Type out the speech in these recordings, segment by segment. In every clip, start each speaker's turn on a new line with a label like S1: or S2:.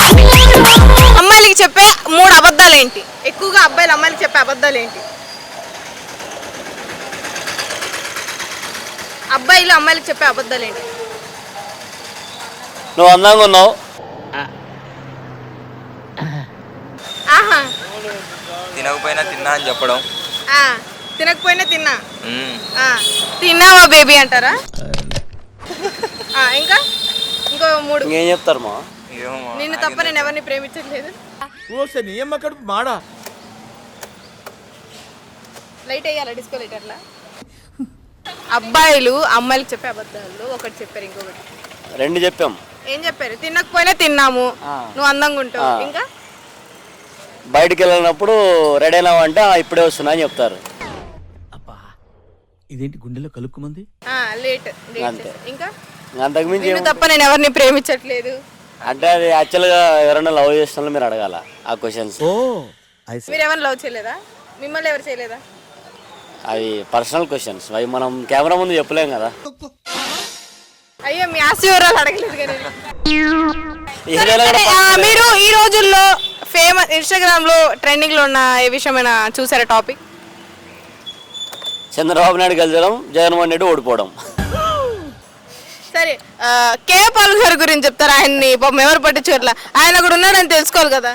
S1: అమ్మాయిలకి చెప్పే 3 అబద్ధాలు ఏంటి? ఎక్కువగా అబ్బాయిలు అమ్మాయిలకి చెప్పే అబద్ధాలు ఏంటి? అబ్బాయిలు అమ్మాయిలకి చెప్పే అబద్ధాలు ఏంటి?
S2: నువ్వు అందంగా ఉన్నావు.
S1: ఆహా,
S3: తినకపోయినా తిన్నా అని చెప్పడం.
S1: తినకపోయినా తిన్నా. తిన్నావా బేబీ అంటారా? ఇంకా ఇంకో 3.
S2: ఇంకేం చెప్తారు మా?
S1: నిన్ను తప్ప నేను ఎవరిని ప్రేమించట్లేదు. లైట్ వేయాలా? డిస్కో లైట్ అట్లా. అబ్బాయిలు అమ్మాయిలకు చెప్పే అబద్ధాలు ఒకటి చెప్పారు, ఇంకొకటి
S2: 2 చెప్పాం.
S1: ఏం చెప్పారు? తినకపోయినా తిన్నాము, నువ్వు అందంగా ఉంటావు. ఇంకా
S2: బయటికి వెళ్ళినప్పుడు రెడీ అయినావు అంటే ఇప్పుడే వస్తున్నా అని చెప్తారు.
S4: ఇదేంటి గుండెలో కలుక్కుమంది?
S1: లేట్.
S2: అంతే.
S1: ఇంకా
S2: అంతకుమించి
S1: నిన్ను తప్ప నేను ఎవరిని ప్రేమించట్లేదు
S2: అంటే అది యాక్చువల్గా ఎవరైనా లవ్ చేస్తున్నా మీరు అడగాల ఆ క్వశ్చన్స్.
S1: మీరు ఎవరిని లవ్ చేయలేదా? మిమ్మల్ని ఎవరు చేయలేదా?
S2: అవి పర్సనల్ క్వశ్చన్స్, అవి మనం కెమెరా ముందు చెప్పలేం కదా.
S1: అయ్యో, మీ ఆస్తి వివరాలు అడగలేదు కదా.
S2: ఏదైనా కూడా
S1: మీరు ఈ రోజుల్లో ఫేమస్ ఇన్స్టాగ్రామ్ లో ట్రెండింగ్ లో ఉన్న ఏ విషయమైనా చూసారా? టాపిక్
S2: చంద్రబాబు నాయుడు గెలిచడం, జగన్మోహన్ రెడ్డి ఓడిపోవడం.
S1: సరే, కేఏ పాల్ గారి గురించి చెప్తారా? ఆయన్ని పాపం ఎవరు పట్టించుకోవట్లా, ఆయన కూడా ఉన్నాడని తెలుసుకోవాలి కదా.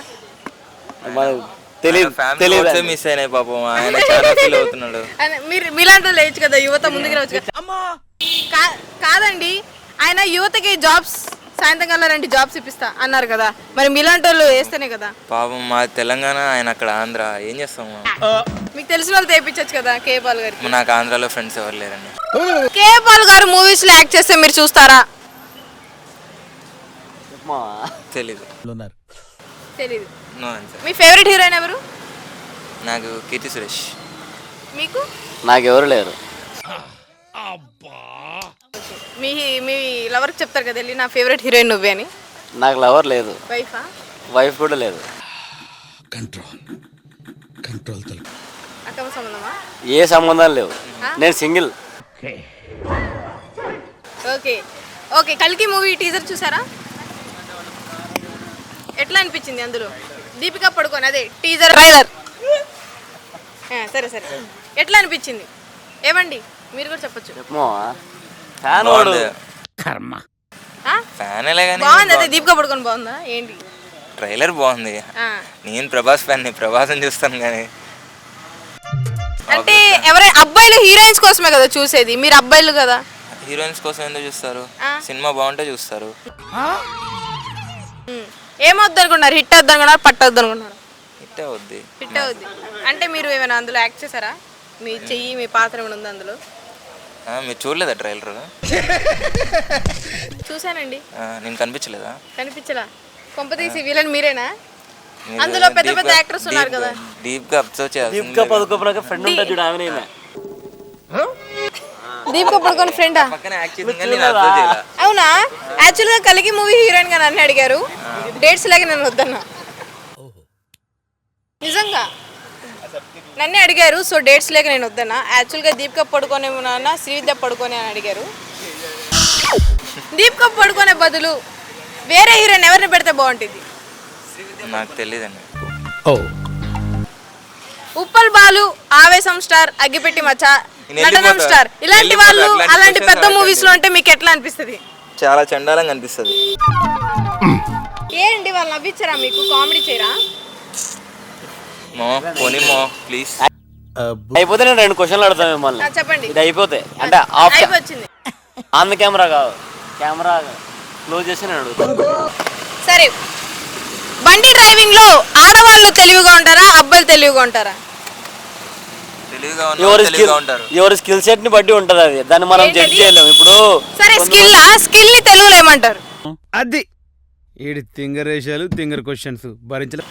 S2: తెలియదు
S3: మిస్ అయినాయి పాపం, ఆయన చాలా ఫీల్ అవుతున్నాడు.
S1: మీరు మీలాంటి లేచు కదా, యువత ముందుకు రావచ్చు కదా. కాదండి, ఆయన యువతకి జాబ్స్ సాయంత్రం కల్లా 2 జాబ్స్ ఇప్పిస్తా అన్నారు కదా, మరి మీలాంటి వాళ్ళు వేస్తేనే కదా.
S3: పాపం మా తెలంగాణ, ఆయన అక్కడ ఆంధ్ర, ఏం చేస్తాము?
S1: మీకు తెలిసిన వాళ్ళు తెప్పించచ్చు కదా కేఏ పాల్ గారికి.
S3: నాకు ఆంధ్రాలో ఫ్రెండ్స్ ఎవరు లేరండి.
S1: కేఏ పాల్ గారు మూవీస్ లో యాక్ట్ చేస్తే మీరు చూస్తారా?
S3: తెలీదు.
S1: తెలీదు.
S3: No answer.
S1: మీ ఫేవరెట్ హీరోయిన్ ఎవరు?
S3: నాకు కీర్తి సురేష్.
S1: మీకు?
S2: నాకెవరు లేరు.
S1: మీ మీ లవర్కి చెప్తారు కదా వెళ్ళి, నా ఫేవరెట్ హీరోయిన్ నువ్వే అని.
S2: నాకు లవర్ లేదు.
S1: వైఫా?
S2: వైఫ్ కూడా లేదు.
S1: అక్రమ సంబంధమా?
S2: ఏ సంబంధాలు లేవు, నేను సింగిల్.
S1: Okay okay. కల్కి మూవీ టీజర్ చూసారా? ఎట్లా అనిపించింది? అందులో దీపికా పడుకోని, అదే టీజర్ ట్రైలర్. సరే సరే, ఎట్లా అనిపించింది? ఏమండి మీరు కూడా చెప్పొచ్చు. బాగుంది. అదే దీపికా పడుకొని బాగుందా ఏంటి?
S3: ట్రైలర్ బాగుంది. నేను ప్రభాస్ ఫ్యాన్, ప్రభాస్ చూస్తాను కానీ.
S1: అంటే ఎవరైనా అబ్బాయిలు హీరోయిన్స్ కోసమే కదా చూసేది, మీరు అబ్బాయిలు కదా.
S3: హీరోయిన్స్ కోసం ఎందుకు చూస్తారు? సినిమా బాగుంటే చూస్తారు.
S1: ఏమవుద్ది అనుకున్నారు? హిట్ అవుద్ది అనుకున్నారు, పట్టవద్దు అనుకున్నారు?
S3: హిట్ అవుద్ది.
S1: హిట్ అవుద్ది. అంటే మీరు ఏమైనా అందులో యాక్ట్ చేశారా? మీ చెయ్యి, మీ పాత్ర ఏమైనా ఉంది అందులో?
S3: మీరు చూడలేదా ట్రైలర్?
S1: చూసానండి.
S3: నేను కనిపించలేదా?
S1: కనిపించలా. కొంపతీసి విలన్ మీరేనా? అందులో పెద్ద పెద్ద యాక్టర్స్ ఉన్నారు కదా.
S3: డీప్ గా అబ్జర్వ్ చేయాలి.
S2: దీపికా పదుకోపడానికి ఫ్రెండ్ ఉంటుంది చూడు, ఆమె.
S1: దీపికా పడుకొని ఫ్రెండా?
S3: పక్కన యాక్ట్ చేసింది కానీ నేను అబ్జర్వ్ చేయలా.
S1: అవునా? యాక్చువల్ గా కలికి మూవీ హీరోయిన్ గా నన్ను అడిగారు, డేట్స్ లాగా నేను వద్దన్నా. నిజంగా నన్నే అడిగారు, సో డేట్స్ లేక నేను వద్దన్నా. యాక్చువల్గా దీపికా పడుకోనే ఉన్నా, శ్రీవిద్య పడుకోనే అని అడిగారు. దీపికా పడుకోనే బదులు వేరే హీరోయిన్ ఎవరిని పెడితే బాగుంటుంది?
S3: నాకు తెలియదండి.
S1: ఉప్పల్ బాలు, ఆవేశం స్టార్, అగ్గిపెట్టి మచ్చ, నటనం స్టార్, ఇలాంటి వాళ్ళు అలాంటి పెద్ద మూవీస్ లో ఉంటే మీకు ఎట్లా అనిపిస్తుంది?
S3: చాలా చండాలంగా అనిపిస్తుంది.
S1: ఏంటి వాళ్ళు నవ్వించారా మీకు? కామెడీ చేయరా?
S3: ప్లీజ్.
S2: అయిపోతే నేను 2 క్వశ్చన్లు అడుగుతాను మిమ్మల్ని.
S1: చెప్పండి.
S2: ఇది అయిపోతే అంటే
S1: అయిపోయింది.
S2: ఆన్ ద కెమెరా కాదు, కెమెరా క్లోజ్ చేసి నేను అడుగుతాను.
S1: సరే, బండి డ్రైవింగ్ లో ఆడవాళ్ళు తెలివిగా ఉంటారా, అబ్బాయిలు తెలివిగా ఉంటారా?
S2: ఎవరి స్కిల్ సెట్ ని బట్టి ఉంటది అది, దాన్ని మనం జడ్జ్ చేయలేము ఇప్పుడు.
S1: సరే, స్కిల్ ని తెలుగులో ఏమంటారు?
S4: అది ఏడు తింగరేషాలు, తింగర్ క్వశ్చన్స్ భరించలే.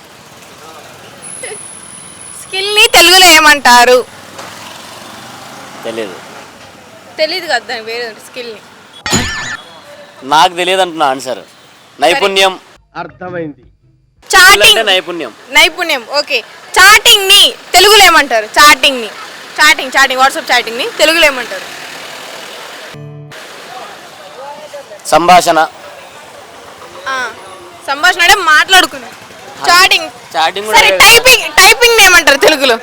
S1: స్కిల్ ని తెలుగులో ఏమంటారు? తెలీదు కదా, దాని వేరే స్కిల్ ని.
S2: నాకు తెలియదు అంటున్నా ఆన్సర్. నైపుణ్యం.
S4: అర్థమైంది.
S1: చాటింగ్.
S2: నైపుణ్యం.
S1: ఓకే. చాటింగ్ ని తెలుగులో ఏమంటారు? చాటింగ్ వాట్సాప్ చాటింగ్ ని తెలుగులో ఏమంటారు?
S2: సంభాషణ.
S1: సంభాషణ అంటే మాట్లాడుకున్నాం. చాటింగ్.
S2: చాటింగ్
S1: సరే టైపింగ్ ఏమంటారు తెలుగులో?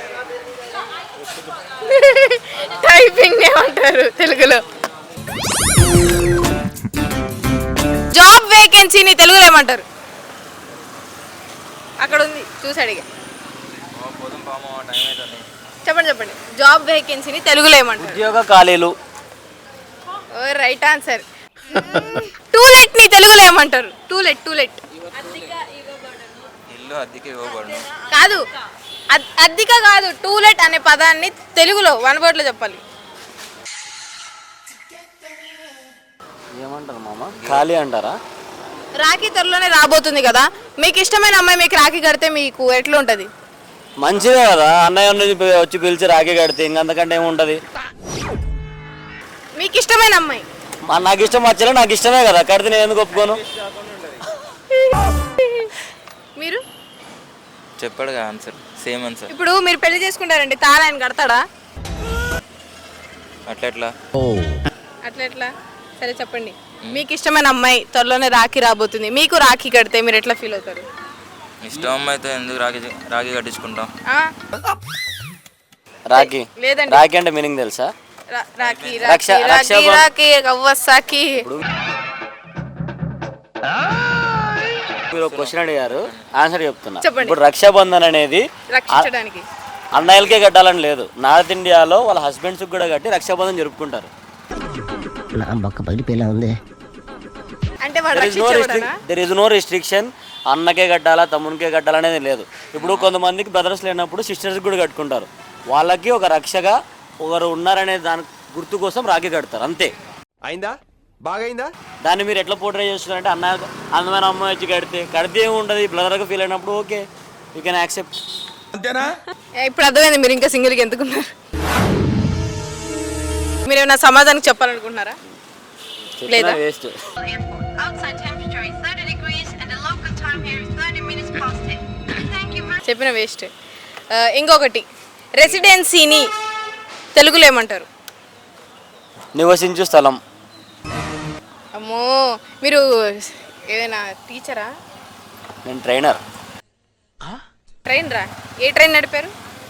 S1: టైపింగ్ ఏమంటారు తెలుగులో? జాబ్ వేకెన్సీని తెలుగులో ఏమంటారు? అక్కడ ఉంది చూసి అడిగా. చెప్పండి. జాబ్ వేకెన్సీని తెలుగులో ఏమంటారు?
S2: ఉద్యోగ ఖాళీలు.
S1: ఓ రైట్ ఆన్సర్. టూలెట్ ని తెలుగులో ఏమంటారు? టూలెట్
S3: ఇల్లు అద్దెకి ఇవ్వబడును.
S1: కాదు, అద్దిక కాదు, టూలెట్ అనే పదాన్ని తెలుగులో వన్ వర్డ్ లో చెప్పాలి.
S2: ఏమంటారు మామ? ఖాళీ అంటారా?
S1: రాఖీ త్వరలోనే రాబోతుంది కదా, మీకు ఇష్టమైన అమ్మాయి మీకు రాఖీ కడితే మీకు ఎట్లా ఉంటది?
S2: మంచిదే కదా, అన్నయ్య వచ్చి పిలిచి రాఖీ కడితే ఇంకంతకంటే ఏముంటది.
S1: మీకు ఇష్టమైన అమ్మాయి?
S2: నాకు ఇష్టం వచ్చలే, నాకు ఇష్టమే కదా, కడితే నేను ఎందుకు ఒప్పుకోను?
S1: మీరు
S3: చెప్పాడు కదా ఆన్సర్, సేమ్ ఆన్సర్.
S1: ఇప్పుడు మీరు పెళ్లి చేసుకుంటారండి, తాళ ఆయన కడతాడా? అట్లా సరే చెప్పండి. మీకు ఇష్టమైన అమ్మాయి త్వరలోనే రాఖీ రాబోతుంది, మీకు రాఖీ కడితే మీరు ఎట్లా ఫీల్ అవుతారు?
S3: ఇష్టం అమ్మాయితో ఎందుకు రాఖీ కట్టించుకుంటాం?
S1: ఆ?
S2: రాఖీ
S1: లేదండి.
S2: రాఖీ అంటే మీనింగ్ తెలుసా?
S1: రాఖీ
S2: రక్ష-
S1: రాఖీ రాఖీ
S2: రక్షాబం-
S1: రాఖీ కవ్వసాకి.
S2: మీరు ఒక క్వశ్చన్ అడిగారు, ఆన్సర్ చెప్తున్నా.
S1: చెప్పండి.
S2: ఇప్పుడు రక్షాబంధన్ అనేది
S1: రక్షించడానికి
S2: అన్నయ్యలకే కట్టాలని లేదు, నార్త్ ఇండియాలో వాళ్ళ హస్బెండ్స్ కూడా కట్టి రక్షాబంధన్ జరుపుకుంటారు.
S1: అంటే వాడు రక్షించబడనా?
S2: దెర్ ఇస్ నో రిస్ట్రిక్షన్, అన్నకే కట్టాలా తమ్మునికే కట్టాలనేది లేదు. ఇప్పుడు కొంతమందికి బ్రదర్స్ లేనప్పుడు సిస్టర్స్ కూడా కట్టుకుంటారు, వాళ్ళకి ఒక రక్షగా ఒకరు ఉన్నారనే దాని గుర్తు కోసం రాఖీ కడతారు, అంతే.
S5: అయిందా? బాగైందా?
S2: దాన్ని మీరు ఎట్లా పోర్ట్రే చేస్తున్నారంటే అందమైన అమ్మాయి వచ్చి కడితే ఏముంటుంది, బ్రదర్గా ఫీల్ అయినప్పుడు ఓకే, యూ కెన్ యాక్సెప్ట్.
S5: అంతేనా?
S1: ఇప్పుడు అర్థమైంది మీరు ఇంకా సింగిల్గా ఎందుకున్నారు. మీరు ఏమైనా సమాధానం చెప్పాలనుకుంటున్నారా? లేదా?
S2: Waste.
S6: Outside temperature is 30 degrees and the local time here is 30 minutes past 10. Thank you very
S1: చెప్పిన వేస్ట్. ఇంకొకటి, రెసిడెన్సీని తెలుగులో ఏమంటారు?
S2: నివసించు స్థలం.
S1: అమ్మో, మీరు ఏదైనా టీచరా?
S2: నేను ట్రైనర్.
S1: ట్రైనరా? ఏ ట్రైన్ నడిపారు?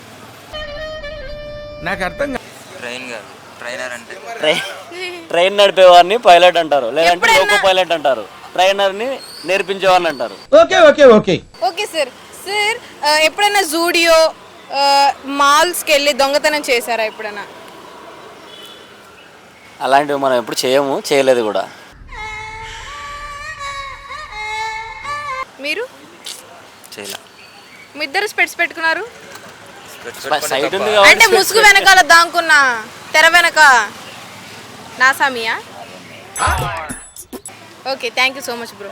S5: నాకు అర్థం కాదు.
S3: ట్రైన్ కాదు, ట్రైనర్ అంటే
S2: ట్రైన్ నడిపేవారిని పైలట్ అంటారు, లేదంటే
S1: ఎప్పుడైనా-
S2: లోకో పైలట్ అంటారు, ట్రైనర్ని నేర్పించేవారిని అంటారు.
S1: Okay sir. సార్ ఎప్పుడైనా జూడియో మాల్స్కి వెళ్ళి దొంగతనం చేశారా ఎప్పుడైనా?
S2: అలాంటివి మనం ఎప్పుడు చేయలేదు కూడా.
S1: మీరు
S3: చేయలే.
S1: మీ ఇద్దరు స్పెట్స్ పెట్టుకున్నారు
S2: సైట్ ఉంది
S1: అంటే
S2: కాబట్టి
S1: ముసుగు వెనకాల దాంకున్న తెర వెనక నాసామియా? Okay, thank you so much bro.